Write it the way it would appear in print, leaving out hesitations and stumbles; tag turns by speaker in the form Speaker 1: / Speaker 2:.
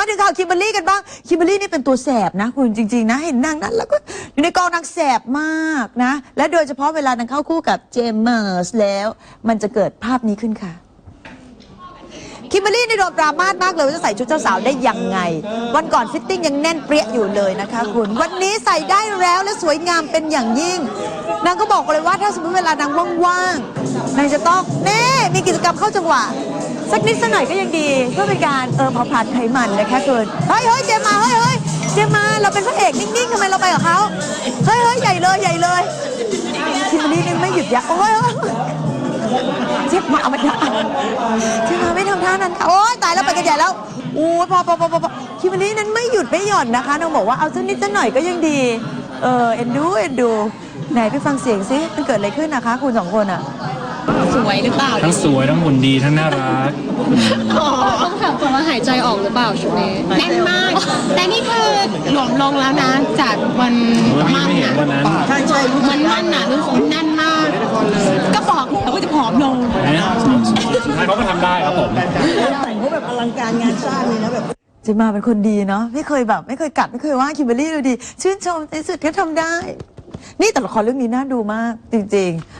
Speaker 1: ถึงข่าวคิมเบอร์รี่กันบ้างคิมเบอร์รี่นี่เป็นตัวแสบนะคุณจริงๆนะเห็นนางนั้นแล้วก็อยู่ในกองนางแสบมากนะและโดยเฉพาะเวลานางเข้าคู่กับเจมส์แล้วมันจะเกิดภาพนี้ขึ้นค่ะคิมเบอร์รี่ในโดนปรามาสมากเลยว่าจะใส่ชุดเจ้าสาวได้ยังไงวันก่อนฟิตติ้งยังแน่นเปรี้ยอยู่เลยนะคะคุณวันนี้ใส่ได้แล้วและสวยงามเป็นอย่างยิ่งนางก็บอกเลยว่าถ้าสมมติเวลานางว่างๆนางจะต้องมีกิจกรรมเข้าจังหวะสักนิดสักหน่อยก็ยังดีเพื่อเป็นการเผาผลาญไขมันนะคะคุณเฮ้ยเจมมาเฮ้ยเจมมาเราเป็นพระเอกนิ่งๆทำไมเราไปกับเขาเฮ้ยใหญ่เลยคิมเบอร์รี่นี่ไม่หยุดยั้งโอ้ยเจ็บมาไม่ทำท่านั้นค่ะโอ๊ยตายแล้วไปกันใหญ่แล้วโอ้ยพอคิมเบอร์รี่นั้นไม่หยุดไม่หย่อนนะคะน้องบอกว่าเอาสักนิดสักหน่อยก็ยังดีเอ็นดูไหนไปฟังเสียงซิมันเกิดอะไรขึ้นนะคะคุณสองคนอ่ะ
Speaker 2: สวยหรือเปล่า
Speaker 3: ทั้งสวยทั้งหุ่นดีทั้งน่ารัก
Speaker 2: ต้องถามก่อนว่าหายใจออกหรือเปล่าชุดนี้แน่นมากแต่นี่คือหลวมลงแล้วนะจากวันมั่นน่ะ
Speaker 1: ใช่
Speaker 2: มันมั่นน่ะรู้สึกแน่นมากก็บอกแล้วก็จะผอมลง
Speaker 3: สุดท้ายเขาก็ทำได้ครับผม
Speaker 1: แต่งเขาแบบอลังการงานสร้างเลยนะแบบจะมาเป็นคนไม่เคยกัดไม่เคยว่าคิมเบอร์รี่เลยดีชื่นชมในสุดก็ทำได้นี่แต่ละครเรื่องนี้น่าดูมากจริงๆ